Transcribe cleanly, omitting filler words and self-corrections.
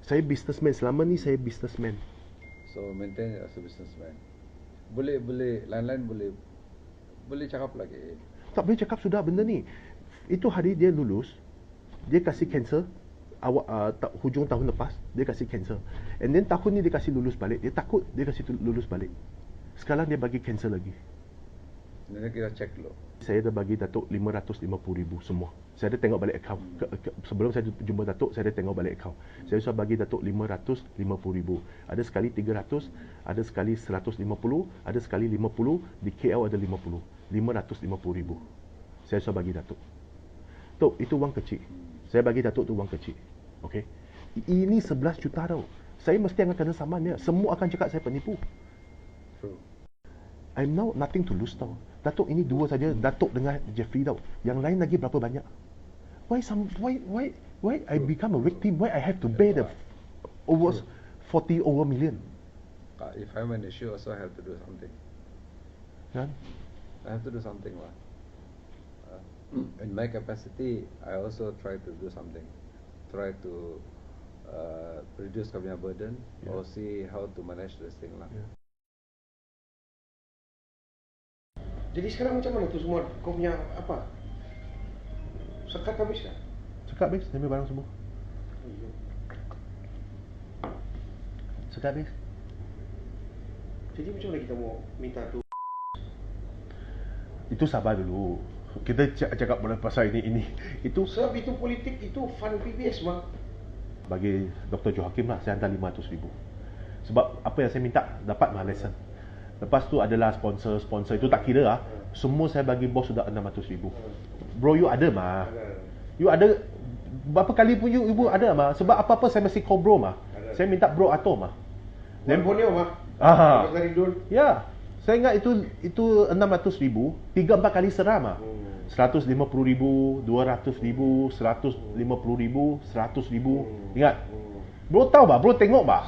Saya businessman. Selama ni saya businessman. So maintain as a businessman. Boleh lain-lain boleh cakap lagi. Tak boleh cakap sudah benda ni. Itu hari dia lulus, dia kasih cancer. Hujung tahun lepas dia kasih cancer. And then tahun ni dia kasih lulus balik. Dia takut dia kasih lulus balik. Sekarang dia bagi cancer lagi. Nanti kita cek dulu. Saya dah bagi Datuk 550,000 semua. Saya ada tengok balik akaun. Sebelum saya jumpa Datuk, saya ada tengok balik akaun. Saya sudah bagi Datuk 550,000. Ada sekali 300, ada sekali 150, ada sekali 50, di KL ada 50. 550,000. Saya sudah bagi Datuk. Tok, itu wang kecil. Saya bagi Datuk tu wang kecil. Okey. Ini 11 juta tau. Saya mesti akan kena saman dia. Semua akan cakap saya penipu. True. I'm now nothing to lose tau. Datuk ini dua saja, Datuk dengan Jeffrey tau. Yang lain lagi berapa banyak? Why I become a victim? Why I have to pay the over 40 over million? If I'm an issue also I have to do something. Kan? I have to do something lah. In my capacity, I also try to do something. Try to reduce kami burden, or see how to manage this thing lah. Yeah. Jadi sekarang macam mana tu semua? Kau punya apa? Sekat habis kan? Sekat habis, ambil barang semua. Sekat habis. Jadi macam mana kita mau minta tu? Itu sabar dulu. Kita cakap pasal ini. Itu Sebab itu politik, itu fund PBS bang. bagi Dr. Johakim lah, saya hantar 500,000. Sebab apa yang saya minta, dapat mah lesson. Lepas tu adalah sponsor itu tak kira lah. Semua saya bagi bos sudah 600,000. Bro, you ada mah. You ada berapa kali pun you ada mah. Sebab apa-apa saya mesti call bro mah. Saya minta bro Ato mah. Dan Borneo mah. Aha. Dari dulu. Ya. Saya ingat itu 600,000, 3-4 kali seram ah. 150,000, 200,000, 150,000, 100,000. Ingat. Bro tahu bah, bro tengok bah.